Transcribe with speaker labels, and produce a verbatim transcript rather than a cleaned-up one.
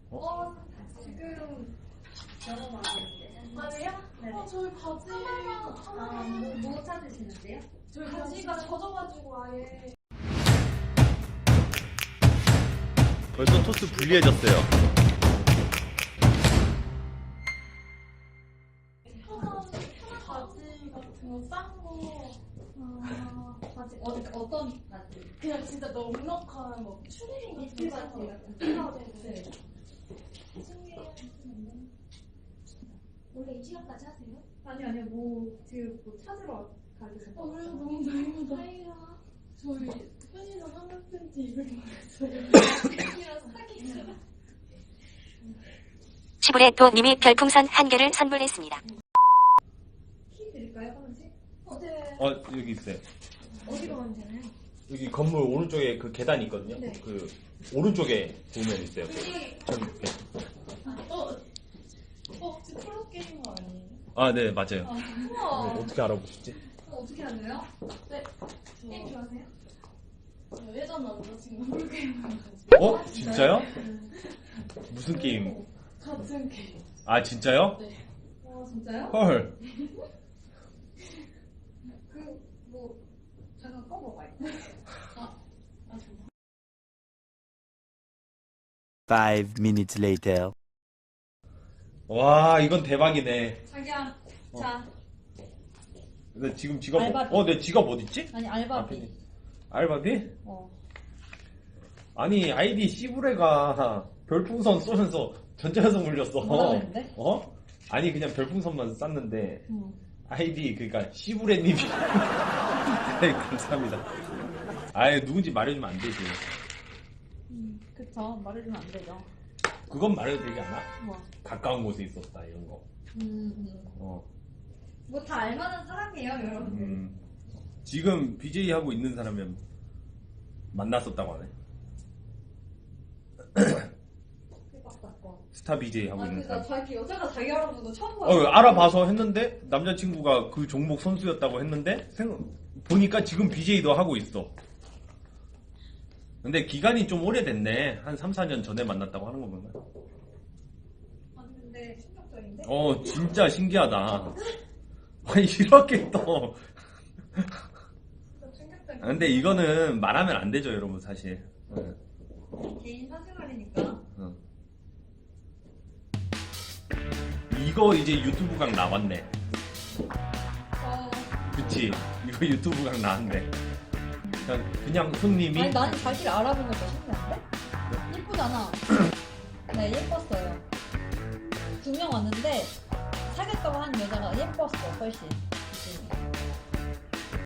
Speaker 1: 어? 지금 영어 말하는데.
Speaker 2: 아니에요?
Speaker 1: 네.
Speaker 2: 어, 저희 바지.
Speaker 1: 아, 뭐, 뭐 찾으시는데요?
Speaker 2: 저희 바지가 젖어가지고 아예.
Speaker 3: 벌써 토스 불리해졌어요.
Speaker 2: 바지 같은 거 싼 거.
Speaker 1: 아, 바지, 어, 어떤 바지?
Speaker 2: 그냥 진짜 넉넉한 뭐 추리닝 같은
Speaker 1: 이틀
Speaker 2: 거.
Speaker 1: 바지 같은
Speaker 2: 아, 네, 네.
Speaker 1: 원래 이 시간까지 하세요? 아니, 아니요. 뭐, 지금 뭐 찾으러 가기
Speaker 2: 어, 그래서 너무 다행이다. 저희 편의점 한국 팬티 입을 뻔했어요.
Speaker 4: 시부레토님이 별풍선 한 개를 선물했습니다.
Speaker 1: 키 드릴까요, 하나씩?
Speaker 2: 어, 네.
Speaker 3: 어, 여기 있어요.
Speaker 1: 어디로 가면 되나요?
Speaker 3: 여기 건물 오른쪽에 그 계단이 있거든요.
Speaker 1: 네.
Speaker 3: 그 오른쪽에 보면 있어요.
Speaker 2: 여기,
Speaker 3: 저기 네.
Speaker 2: 어, 어, 혹시 프로게이머 아니에요?
Speaker 3: 아, 네, 맞아요.
Speaker 2: 아,
Speaker 3: 이거
Speaker 2: 우와.
Speaker 3: 어떻게 알아보셨지?
Speaker 1: 어, 어떻게 하세요?
Speaker 2: 네.
Speaker 1: 게임
Speaker 2: 저,
Speaker 1: 좋아하세요?
Speaker 2: 저 예전 남자친구 프로게이머 해가지고.
Speaker 3: 어? 진짜요? 무슨 게임?
Speaker 2: 같은 게임.
Speaker 3: 아, 진짜요?
Speaker 2: 네.
Speaker 1: 어, 진짜요?
Speaker 3: 헐.
Speaker 1: 그, 뭐, 잠깐 꺼봐봐요.
Speaker 2: 아, 아, 정말.
Speaker 5: Five minutes later.
Speaker 3: 와, 이건 대박이네.
Speaker 1: 자기야,
Speaker 3: 어.
Speaker 1: 자.
Speaker 3: 근데 지금 지갑,
Speaker 1: 알바비.
Speaker 3: 어, 내 지갑 어딨지?
Speaker 1: 아니,
Speaker 3: 앞에
Speaker 1: 알바비.
Speaker 3: 있네. 알바비?
Speaker 1: 어.
Speaker 3: 아니, 아이디 시부레가 별풍선 쏘면서 전자현성 물렸어.
Speaker 1: 뭐라고 했는데?
Speaker 3: 어? 아니, 그냥 별풍선만 쐈는데,
Speaker 1: 응.
Speaker 3: 아이디, 그니까, 시부레님이. 네, 감사합니다. 아예 누군지 말해주면 안 되지.
Speaker 1: 음, 그쵸. 말해주면 안 되죠.
Speaker 3: 그건 말해도 되지 않아?
Speaker 1: 뭐.
Speaker 3: 가까운 곳에 있었다, 이런 거.
Speaker 1: 음, 음.
Speaker 3: 어.
Speaker 1: 뭐 다 알만한 사람이에요, 여러분들.
Speaker 3: 음. 지금 비제이 하고 있는 사람이면 만났었다고 하네.
Speaker 1: 사건.
Speaker 3: 스타 비제이 하고
Speaker 1: 아,
Speaker 3: 있는
Speaker 1: 그니까
Speaker 3: 사람.
Speaker 1: 자기 여자가 자기 알아보는 거 처음 봐요.
Speaker 3: 어, 알아봐서 했는데 남자친구가 그 종목 선수였다고 했는데 생, 보니까 지금 비제이도 하고 있어. 근데 기간이 좀 오래됐네. 한 삼, 사 년 전에 만났다고 하는 거 보면.
Speaker 1: 아니, 근데 충격적인데?
Speaker 3: 어, 진짜 신기하다. 아니, 이렇게 또.
Speaker 1: 진짜 충격적인.
Speaker 3: 아, 근데 이거는 말하면 안 되죠, 여러분, 사실. 응.
Speaker 1: 개인 사생활이니까.
Speaker 3: 응. 이거 이제 유튜브 각 나왔네.
Speaker 1: 어.
Speaker 3: 그치? 이거 유튜브 각 나왔네. 그냥, 그냥 손님이.
Speaker 1: 아니, 나는 자기를 알아보는 거 신기한데? 예쁘잖아. 네, 예뻤어요. 두 명 왔는데, 사귀었다고 하는 여자가 예뻤어, 훨씬.